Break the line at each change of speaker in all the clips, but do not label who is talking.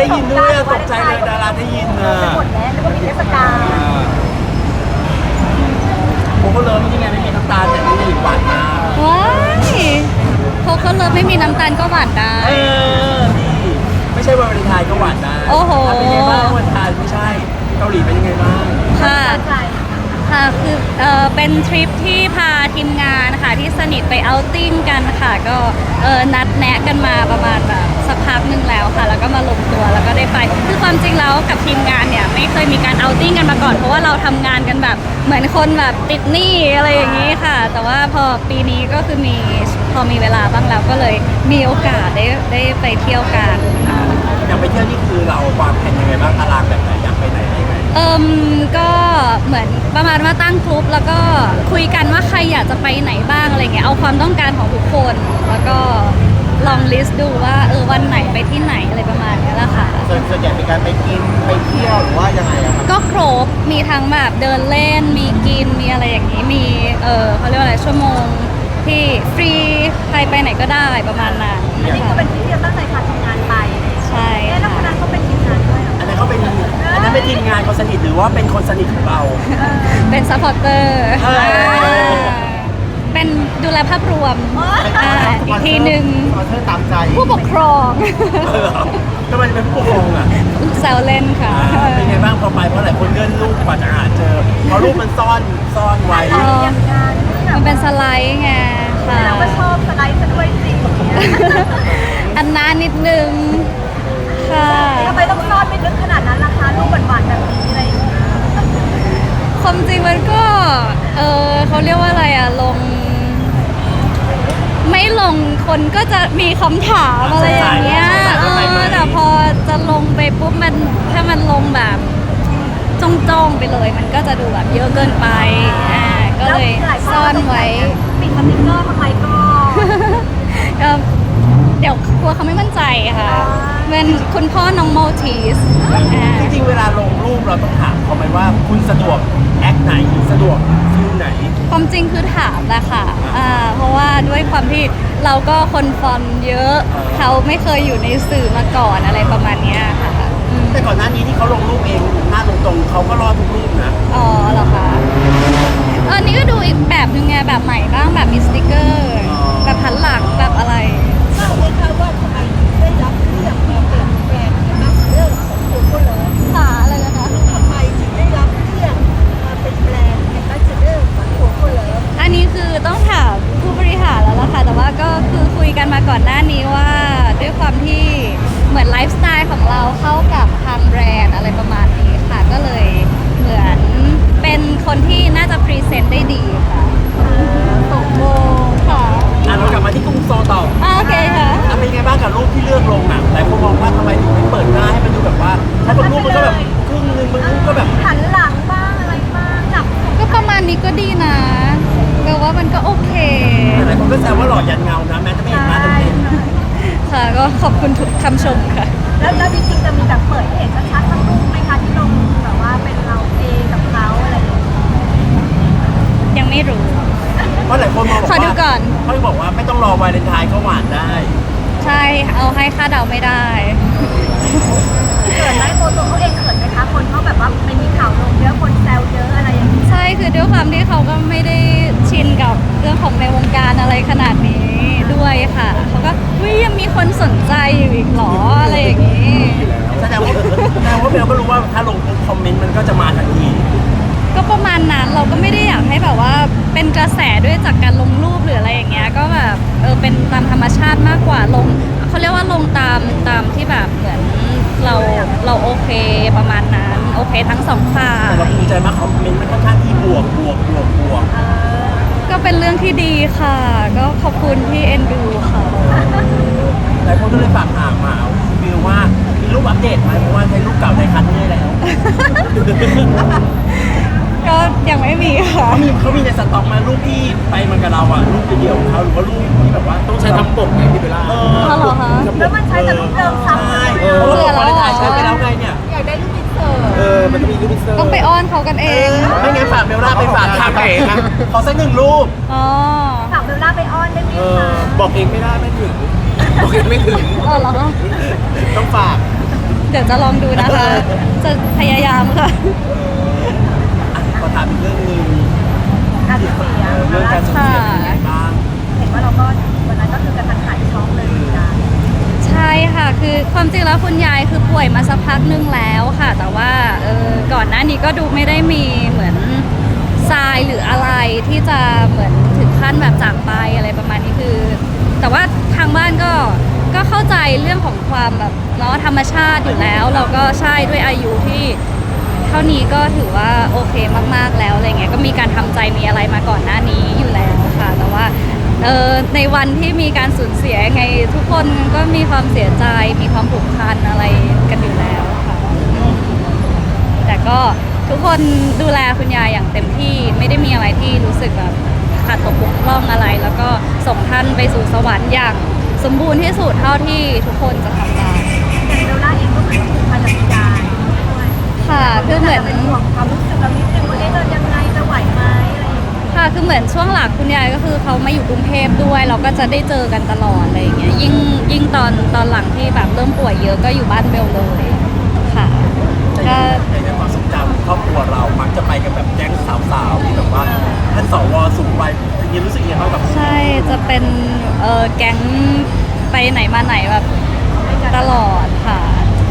ยินด้วยอะตกใจเลยดาราได้ยินอะ
หมดแล้วแล้วก็มีเทศกาล
โคโค่เลิฟนี่ไงไม่มีน้ำตาลแต่นี่หวานมาก
ว้ายโคโค่เลิฟไม่มีน้ำตาลก็หวานได้
นี่ไม่ใช่วันวาเลนไทน์ก็หวานได้
โอ้โห
เป็นไงบ้างวันวาเลนไทน์ไม่ใช่เกาหลีเป็นยังไงบ้าง
ค่ะ
ใจ
ค่ะคือเป็นทริปที่พาทีมงานค่ะที่สนิทไปเอาท์ติ้งกันค่ะก็นัดแนะกันมาประมาณแบบสักพักหนึ่งแล้วค่ะ แล้วก็มาลงตัวแล้วก็ได้ไปคือความจริงแล้วกับทีมงานเนี่ยไม่เคยมีการเอาท์ติ้งกันมาก่อนเพราะว่าเราทำงานกันแบบเหมือนคนแบบติดหนี้อะไรอย่างนี้ค่ะ แต่ว่าพอปีนี้ก็คือพอมีเวลาบ้างแล้วก็เลยมีโอกาสได้ไปเที่ยวกันค่ะ
อยากไปเที่ยวนี่คือเราวางแผนยังไงบ้างตารางแบบไหนอยากไปไหนยังไง
ก็เหมือนประมาณว่าตั้งกลุ่มแล้วก็คุยกันว่าใครอยากจะไปไหนบ้างอะไรเงี้ยเอาความต้องการของทุกคนแล้วก็ลองลิสต์ดูว่าวันไหนไปที่ไหนอะไรประมาณนี้แหละค่ะ
ส่วนใหญ่เป็นการไปกินไปเที่ยวหรือว่ายังไงอะครับ
ก็ครบมีทั้งแบบเดินเล่นมีกินมีอะไรอย่างนี้มีเขาเรียกว่าอะไรชั่วโมงที่ฟรีใครไปไหนก็ได้ประมาณนั้น
อันนี้ก็เป็นที่เราตั้งใจพาทีมงานไป
ใช่
แล้วคนนั้นเขาเป็นทีมงานด้วยเหรอ
อันนั้นเขาเป็นอันนั้นเป็นทีมงานคนสนิทหรือว่าเป็นคนสนิทของเรา
เป็นซัพพอร์เตอร์
เออ
เป็นดูแลภาพรวมอีกทีหนึ่ง
ขอเธอตามใจ
ผู้ปกครอง
ทำไมเป็นผู้ปกครองอ่ะ
แซวเล่นค่ะ
เป็นไงบ้างพอไปเพราะหลายคนเลื่อนรูปกว่าจะหาเจอเพราะรูปมันซ่อนไว้
อย่างงาน
มันเป็นสไลด์ไงค่ะ
เราก็ชอบสไลด์ซะด้วยสิ
อันนานนิดนึงค่ะ
ทำไมต้องซ่อนไม่ลึกขนาดนั้นล่ะคะรูปหวานๆแบบนี้อะไรอย่างเงี้ย
ความจริงมันก็เขาเรียกว่าอะไรอะไม่ลงคนก็จะมีคำถามอะไรอย่างเงี้ยแต่พอจะลงไปปุ๊บถ้ามันลงแบบจ้องๆไปเลย มันก็จะดูแบบเยอะเกินไปก็เลยซ่อนไว้
ปิดสติ๊กเกอร์ทำไมก็
ก็เดี๋ยวกลัวเขาไม่มั่นใจค่ะเป็นคุณพ่อน้องโมทีส
จริงๆเวลาลงรูปเราต้องถามเขาไหมว่าคุณสะดวกแอคไหนสะดวกฟิลไหน
ความจริงคือถามแหละค่ะเพราะว่าด้วยความที่เราก็คนฟอนเยอะ เขาไม่เคยอยู่ในสื่อมาก่อนอะไรประมาณเนี้ยค่ะอืม
แต่ก่อนหน้านี้ที่เขาลงรูปเองหน้าตรงๆเขาก็รอดทุกรูปนะ
อ๋อเหรอคะอันนี้ก็ดูอีกแบบนึงไงแบบใหม่บ้างแบบมีสติกเกอร์ แบบพันหลังแบบอะไร
ทราบไหมคะว่าทำไมได้รับเลือกมาเป็นแบรนด์แอมบาสเดอร์ของโคโค่เลิฟ
ขาอะไรนะคะ
ทำไมถึงได้รับเลือกมาเป็นแบรนด์แอมบาสเดอร์ของโคโค่เลิฟ
อันนี้คือต้องถามผู้บริหารแล้วล่ะค่ะ แต่ว่าก็คือคุยกันมาก่อนหน้านี้ว่าด้วยความที่เหมือนไลฟ์สไตล์ของเราเข้ากับทางแบรนด์อะไรประมาณนี้ค่ะ ก็เลยเหมือนเป็นคนที่น่าจะพรีเซนต์ได้ดีค่ะตกโมค่ะ
เรากลับมาที่กรุงโซลต่อ
โอเคค่ะ
เป็นยังไงบ้างกับรูปที่เลือกลงอ่ะหลายคนมองว่าทำไมถึงไม่เปิดหน้าให้มันดูแบบว่าถ้าบางรูปมันก็แบบครึ่งนึงบางรูปก็แบบ
หันหลังบ้างอะไรบ้างจับ
ก็ประมาณนี้ก็ดีนะแปลว่ามันก็โอเค
หลายคนก็แซวว่าหล่อยันเงานะแม้จะไม่เห็นหน้าเต็ม
ค่ะ ก็ขอบคุณทุกคำชมค่ะ
แล้วจริงๆจะมีแบบเปิดให้เห็นชัดๆสักรูปไหมคะที่ลงแบบว่าเป็นเราเองกับเขาอะไรอย่างเงี้ย
ยังไม่รู้
ๆเพราะหลายคนมองบอก
ขอดู
ว่า
ก่อน
เขาบอกว่าไม่ต้องรอวาเลนไทน์ก็หวานได้
ใช่ เอาให้ค่าเดาไม่ได้
เขินไหมโมตัวเขาเองเขินไหมคะคนเขาแบบว่าไม่มีข่าวลงเยอะคนแซวเยอะอะไรอย่างเงี้ย
ใช่ คือด้วยความที่เขาก็ไม่ได้ชินกับเรื่องของในวงการอะไรขนาดนี้ด้วยค่ะ เขาก็วิยังมีคนสนใจอยู่อีกเหรออะไรอย่างนี้
แสดงว่าเบลก็รู้ว่าถ้าลงปุ๊บคอมเมนต์มันก็จะมาทันที
ก็ประมาณนั้นเราก็ไม่ได้อยากให้แบบว่าเป็นกระแสด้วยจากการลงรูปหรืออะไรอย่างเงี้ยก็แบบเป็นตามธรรมชาติมากกว่าลงเขาเรียกว่าลงตามที่แบบเหมือนเราโอเคประมาณนั้นโอเคทั้งสองฝ่า
แต่เรา
ย
ภูมิใจมากคอมเมนต์มันค่อนข้างที่บวก
ก็เป็นเรื่องที่ดีค่ะ ก็ขอบคุณที่เอ็นดูค่ะ
หลายคนก็เลยฝากถามมาวิวว่ามีรูปอัปเดตไหมเพราะว่าใช้รูปเก่าในคันเรื่อยแล้ว
ก็ยังไม่มีค่ะ
เขามีในสต็อกมารูปที่ไปมันกับเราอ่ะรูปเดียวๆของเขาหรือว่ารูปที่แบบว่าต้องใช้ทำปกไงพี่เบลล่า
อ๋อเหรอคะ
แล้วมันใช้แต่รูปเดิมซ้ำ
ใช่
เลย
เพราะว่าวันถ่ายใช้ไปแล้วไงเนี่ย
อยากได้รูปอินเสิร์ต
มันจะมีรูปเซอร์
ต้องไปอ้อนเขากันเอง
ไม่งั้นฝากเบลล่าไปฝากทำเองนะขอสักหนึ่งรูป
อ๋อ
ฝากเบลล่าไปอ้อนได้ไหมคะ
บอกเองไม่ได้ไม่ถึงบอกเองไม่ถึง
อ๋อเหรอคะ
ต้องฝาก
เดี๋ยวจะลองดูนะคะ จะพยายามค่ะ
ขอถามอีกเรื่องหนึง
การสูญเสีย
เรื่องการสูญเสียเป็นยังไงบ้าง
เห็นว่าเราก็วันนั้นก็คือกระทันหันช็อกเลยเหมือนกัน
ใช่ค่ะ คือความจริงแล้วคุณยายคือป่วยมาสักพักนึงแล้วค่ะ แต่ว่าก่อนหน้านี้ก็ดูไม่ได้มีเหมือนทรายหรืออะไรที่จะเหมือนถึงขั้นแบบจากไปอะไรประมาณนี้คือ แต่ว่าทางบ้านก็เข้าใจเรื่องของความแบบเนาะธรรมชาติอยู่แล้ว เราก็ใช่ด้วยอายุที่เท่านี้ก็ถือว่าโอเคมากๆแล้วอะไรเงี้ยก็มีการทำใจมีอะไรมาก่อนหน้านี้อยู่แล้วค่ะ แต่ว่าในวันที่มีการสูญเสียไงทุกคนก็มีความเสียใจมีความผูกพันอะไรกันอยู่แล้วค่ะแต่ก็ทุกคนดูแลคุณยายอย่างเต็มที่ไม่ได้มีอะไรที่รู้สึกแบบขาดตกบกพร่องอะไร แล้วก็ส่งท่านไปสู่สวรรค์อย่างสมบูรณ์ที่สุดเท่าที่ทุกคนจะทำได้
อย่างเบลล่าเองก็เหมือนผูกพันกับคุณยายด้วย
ค่ะคือเหมือน
เป็นห่วงความรู้สึกเรานิดนึงว่าจะยังไงจะไหวไหมอะไรอย่างเงี้ย
ค่ะคือเหมือนช่วงหลังคุณยายก็คือเขามาอยู่กรุงเทพด้วย เราก็จะได้เจอกันตลอดอะไรอย่างเงี้ยยิ่งตอนหลังที่แบบเริ่มป่วยเยอะก็อยู่บ้านเบลเลยค่ะก็
ในความทรงจำครอบครัวเรามักจะไปกันแบบแก๊งสาวๆที่แบบว่าท่านสวสูงวัยอย่างนี้รู้สึกยังไงบ้างกับ
ใช่จะเป็นแก๊งไปไหนมาไหนแบบตลอดค่ะ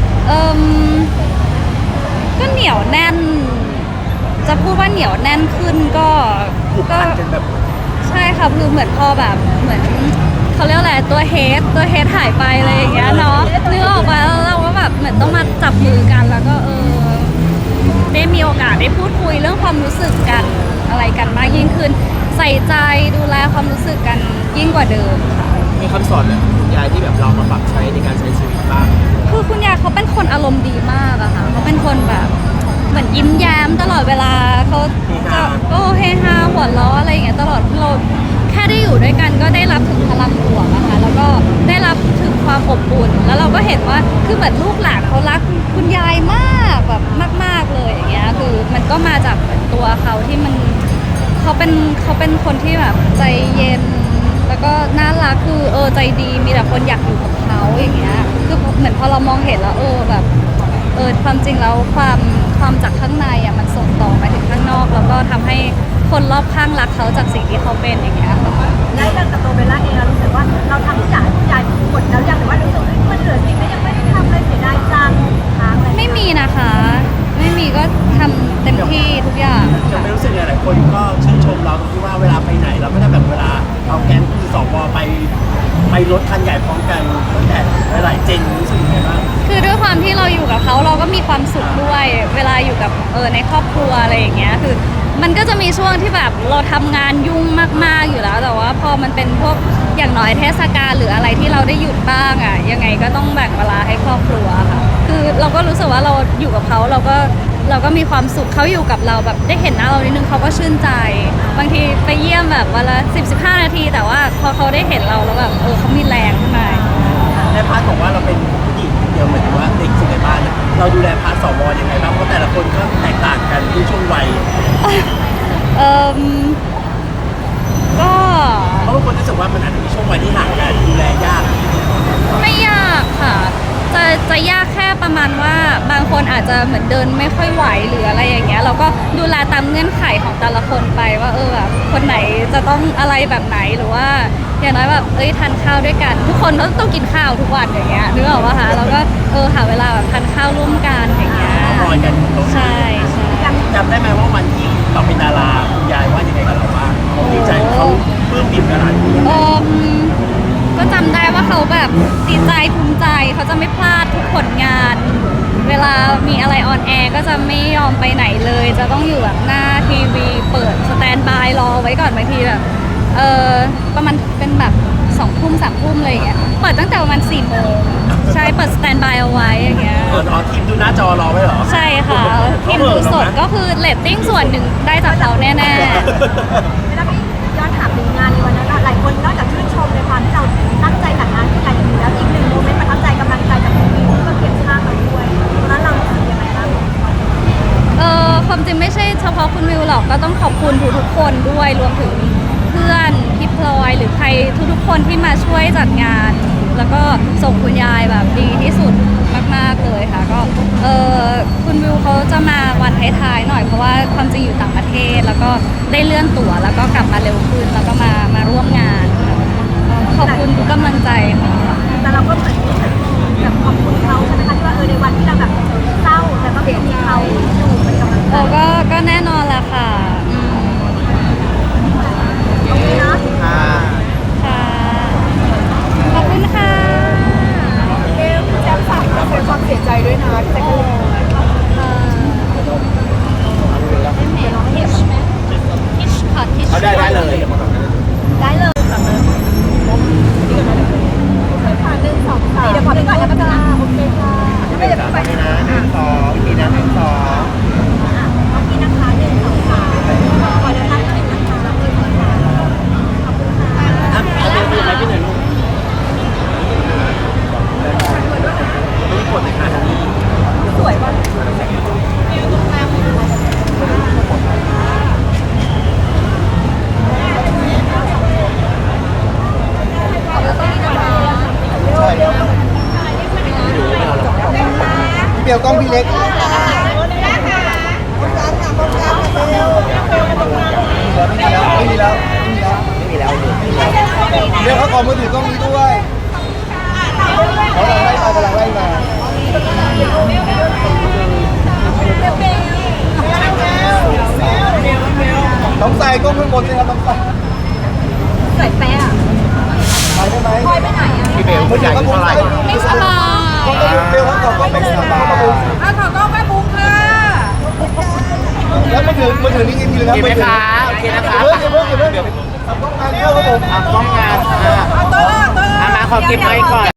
ก็เหนียวแน่น จะพูดว่าเหนียวแน่นขึ้นก็
ผูกพันกันแบบ
ใช่ค่ะคือเหมือนพอแบบเหมือนเขาเรียกอะไรตัวเฮดหายไปอะไรอย่างเงี้ยเนาะนึกออกมาแล้วเราก็แบบเหมือนต้องมาจับมือกันแล้วก็ได้มีโอกาสได้พูดคุยเรื่องความรู้สึกกันอะไรกันมากยิ่งขึ้น ใส่ใจดูแลความรู้สึกกันยิ่งกว่าเดิมค่ะ
มีคำสอนแบบคุณยายที่แบบเรามาปรับใช้ในการใช้ชีวิตบ้าง
คือคุณยายเขาเป็นคนอารมณ์ดีมากอะค่ะเขาเป็นคนแบบเหมือนยิ้มแย้มตลอดเวลาเขาจะเฮฮาหัวเราะอะไรอย่างเงี้ยตลอดเราแค่ได้อยู่ด้วยกันก็ได้รับถึงพลังบวกอะค่ะแล้วก็ได้รับถึงความอบอุ่นแล้วเราก็เห็นว่าคือเหมือนลูกหลานเขารักคุณยายมากแบบมากๆเลยอย่างเงี้ยคือมันก็มาจากเหมือนตัวเขาที่มันเขาเป็นคนที่แบบใจเย็น แล้วก็น่ารักคือใจดีมีแต่คนอยากอยู่กับเขาอย่างเงี้ยคือเหมือนพอเรามองเห็นแล้วแบบความจริงแล้วความจากข้างในอ่ะมันส่งต่อไปถึงข้างนอก แล้วก็ทำให้คนรอบข้างรักเขาจากสิ่งที่เขาเป็นอย่างเงี้ยค่ะ
และเรื่องกับตัวเบลล่าเองเรารู้สึกว่าเราทำทุกอย่างให้คุณยายหมดแล้วยังหรือว่ารู้สึกว่ามันเหลือสิ่งที่ยังไม่ได้ทำเลยเสียดายจังค้างอะไร
ไม่มีนะคะ ไม่มีก็ทำเต็มที่ทุกอย่าง
ยังไม่รู้สึกไงหลายคนก็ชื่นชมเราตรงที่ว่าเวลาไปไหนเราก็จะแบบเวลาเอาแก๊งคือสวไปรถคันใหญ่พร้อมกันตั้งแต่หลายๆเจนรู้สึกยังไงบ้าง
คือด้วยความที่เราอยู่กับเขาเราก็มีความสุขด้วย เวลาอยู่กับในครอบครัวอะไรอย่างเงี้ยคือมันก็จะมีช่วงที่แบบเราทำงานยุ่งมากๆอยู่แล้ว แต่ว่าพอมันเป็นพวกอย่างน้อยเทศกาลหรืออะไรที่เราได้หยุดบ้างอ่ะยังไงก็ต้องแบ่งเวลาให้ครอบครัวค่ะคือเราก็รู้สึกว่าเราอยู่กับเขาเราก็มีความสุขเขาอยู่กับเราแบบได้เห็นหน้าเรานิดนึงเขาก็ชื่นใจ บางทีไปเยี่ยมแบบวันละ10-15 นาที แต่ว่าพอเขาได้เห็นเราแล้วแบบเขามีแรงขึ้นมา
ในพาร์ทของว่าเราเป็นผู้หญิงเดียวเหมือนว่าเด็กสุดในบ้านเนี่ยเราดูแลพาร์ทสวยังไงบ้างเพราะแต่ละคนก็แตกต่างกันที่ช่วงวัย
เอ่มก็
เพราะบางคนรู้สึกว่ามันอาจจะมีช่วงวัยที่ห่างกันดูแลยาก
ไม่ยากค่ะ จะยากแค่ประมาณว่าบางคนอาจจะเหมือนเดินไม่ค่อยไหวหรืออะไรอย่างเงี้ยเราก็ดูแลตามเงื่อนไขของแต่ละคนไปว่าแบบคนไหนจะต้องอะไรแบบไหนหรือว่าอย่างน้อยแบบทานข้าวด้วยกัน ทุกคนต้องกินข้าวทุกวันอย่างเงี้ยนึกออกปะคะแล้วก็หาเวลาแบบทานข้าวร่วมกันอย่างเงี้ย
รอยกันตรงนี้
ใช่ใช่
จำได้ไหมว่าวันที่เราเป็นดาราคุณยายว่ายังไงกับเราบ้างเขาดีใจเขาปลื้มปิ่มขนาดนี้
ก็จำได้ว่าเขาแบบดีใจภูมิใจเขาจะไม่พลาดทุกผลงาน เวลามีอะไรออนแอร์ก็จะไม่ยอมไปไหนเลย จะต้องอยู่แบบหน้าทีวีเปิดสแตนด์บายรอไว้ก่อนบางทีแบบประมาณเป็นแบบ2 ทุ่ม3 ทุ่มอะไรอย่างเงี้ยเปิดตั้งแต่ประมาณ4 โมงใช่เปิดสแตนด์บายเอาไว้อย่างเงี้ย
ทีมดูหน้าจอรอไว้เหรอ
ใช่ค่ะทีมดูสดก็คือเรตติ้งส่วนหนึ่งได้จากเขาแน่ๆ
แล้วพี่ย้อนถามถึงงานในวันนั้นหลายคนนอกจากชื่นชมในความที่เราตั้งใจจัดงานที่ใหญ่อย่างนี้แล้วอีกหนึ่งโมเมนต์ประทับใจกำลังใจจากคุณวิวที่มาเขียนข้างเราด้วยตอนนั้นเรารู้สึกยังไงบ้าง
ความจริงไม่ใช่เฉพาะคุณวิวหรอกก็ต้องขอบคุณทุกๆคนด้วยรวมถึงเพื่อนพี่พลอยหรือใครทุกๆคนที่มาช่วยจัดงานแล้วก็ส่งคุณยายแบบดีที่สุดมากๆเลยค่ะก็คุณวิวเขาจะมาวันท้ายๆหน่อยเพราะว่าความจริงอยู่ต่างประเทศแล้วก็ได้เลื่อนตั๋วแล้วก็กลับมาเร็วขึ้นแล้วก็มาร่วมงานค่ะขอบคุณทุกกำลังใจค่ะ
แต่เราก็เหมือนแบบขอบคุณเขาใช่ไหมคะที่ว่าในวันที่เราแบบเศร้าแต่ก็มีเขาอยู่เป็นกำลังใจ
ก็แน่นอนแหละค่ะ
ตรงนี้เนาะ
ค่ะ
ค่ะ ขอบคุณค่ะ
เบลแจ้งฝากแสดงความเสียใจด้วยนะที่จะเกิด
เอาได้เลย
ได้เลยแบบนั้นค่ะ1 2 3เดี๋ยวขอไปก่อนนะป้าตาโอเคค่ะไม่เดี๋ยวไปนะ
นะ1 2อีกทีนะ1 2
โอเคนะคะ1 2 3ขอเดินทางนิดนึงนะคะขอบคุณค่ะ
เอาเดินไปไหนไปไหนลูกไม่กดเลยค่ะ
สวยป่ะขอบคุณนะคะ
พี่เบลกล้องพี่เล็กไม่มีแล้วเดี๋ยวเขาขอมือถือกล้องนี้ด้วยเขากำลังไล่มาต้องใส่กล้องข้างบนเลยครับต้องใส่
สวยแป๊ะ
ไปได้ไหม
พลอยไปไหนอ่ะ
พี่เบลมือถือเท่าไหร่
ไม่สบาย
เบลเขาขอกล้องเป็นสบาย
อ่ะขอกล้องแม่บุ๊กค่ะ
แล้วมือถือนี่ไงพี่เลยครับโอเคไหมคะโอเคนะคะเดี๋ยวทำกล้องงานเข้าครับผมทำกล้องงาน
เอาตัวละ
มาขอเก็บไว้ก่อน